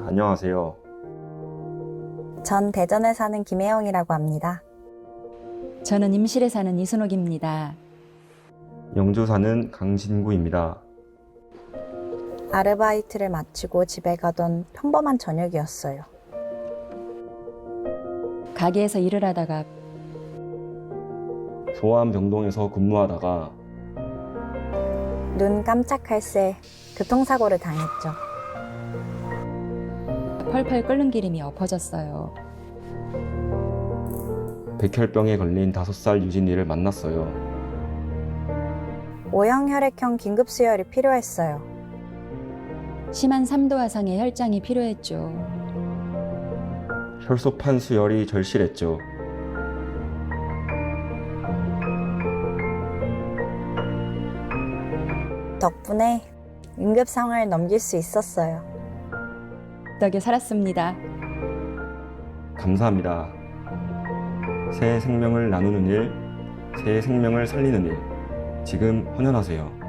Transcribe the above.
안녕하세요. 전 대전에 사는 김혜영이라고 합니다. 저는 임실에 사는 이순옥입니다. 영주 사는 강진구입니다. 아르바이트를 마치고 집에 가던 평범한 저녁이었어요. 가게에서 일을 하다가 소아암병동에서 근무하다가 눈 깜짝할 새 교통사고를 당했죠. 펄펄 끓는 기름이 엎어졌어요. 백혈병에 걸린 5살 유진이를 만났어요. O형 긴급 수혈이 필요했어요. 심한 3도 화상의 혈장이 필요했죠. 혈소판 수혈이 절실했죠. 덕분에 응급 상황을 넘길 수 있었어요. 덕에 살았습니다. 감사합니다. 새 생명을 나누는 일, 새 생명을 살리는 일, 지금 헌혈하세요.